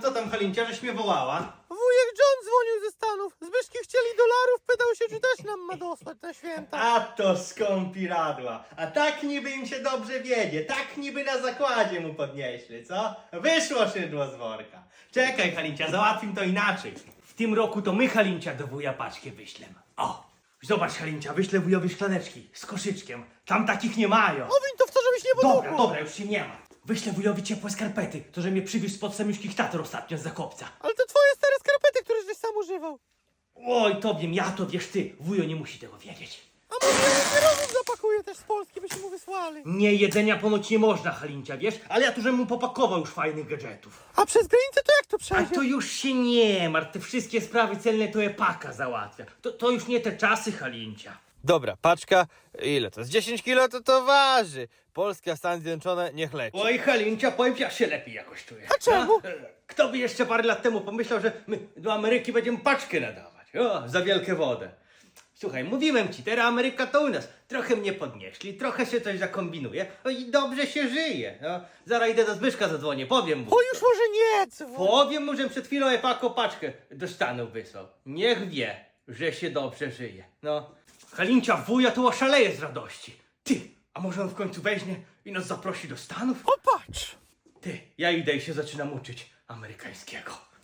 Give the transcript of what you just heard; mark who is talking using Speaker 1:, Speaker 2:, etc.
Speaker 1: co tam, Halincia, żeś mnie wołała?
Speaker 2: Wujek John dzwonił ze Stanów. Zbyszki chcieli dolarów, pytał się, czy też nam ma dostać na święta.
Speaker 1: A to skąpiradła. A tak niby im się dobrze wiedzie, tak niby na zakładzie mu podnieśli, co? Wyszło szydło z worka. Czekaj, Halincia, załatwim to inaczej. W tym roku to my, Halincia, do wuja paczkę wyślemy. O, zobacz, Halincia, wyślę wujowi szklaneczki z koszyczkiem. Tam takich nie mają.
Speaker 2: Owiń to w to, żebyś nie podłuchał.
Speaker 1: Dobra, dobra, już się nie ma. Wyślę wujowi ciepłe skarpety, to że mnie przywiózł spod samiuszkich tater ostatnio z Zakopca.
Speaker 2: Ale to twoje stare skarpety, które żeś sam używał.
Speaker 1: Oj, to wiem, ja to wiesz ty. Wujo nie musi tego wiedzieć.
Speaker 2: A może kierownik zapakuje też z Polski, byśmy mu wysłali.
Speaker 1: Nie, jedzenia ponoć nie można, Halincia, wiesz? Ale ja tu żebym mu popakował już fajnych gadżetów.
Speaker 2: A przez granicę to jak to
Speaker 1: A
Speaker 2: przejdzie?
Speaker 1: to już się nie martw, te wszystkie sprawy celne to epaka załatwia. To już nie te czasy, Halincia.
Speaker 3: Dobra, paczka, ile to jest? 10 kilo to waży. Polska, Stany Zjednoczone, niech leci.
Speaker 1: Oj, Halincia, powiem ci, ja się lepiej jakoś czuję.
Speaker 2: A czemu?
Speaker 1: Kto by jeszcze parę lat temu pomyślał, że my do Ameryki będziemy paczkę nadawać? O, za wielkie wodę. Słuchaj, mówiłem ci, teraz Ameryka to u nas. Trochę mnie podnieśli, trochę się coś zakombinuje, no i dobrze się żyje. No, zaraz idę do Zbyszka zadzwonię, powiem mu.
Speaker 2: O, już może nie dzwoń.
Speaker 1: Powiem mu, że przed chwilą Epako paczkę do Stanów wysłał. Niech wie, że się dobrze żyje. No, Halincia, wuja tu oszaleje z radości. Ty, a może on w końcu weźmie i nas zaprosi do Stanów?
Speaker 2: O, patrz.
Speaker 1: Ty, ja idę i się zaczynam uczyć amerykańskiego.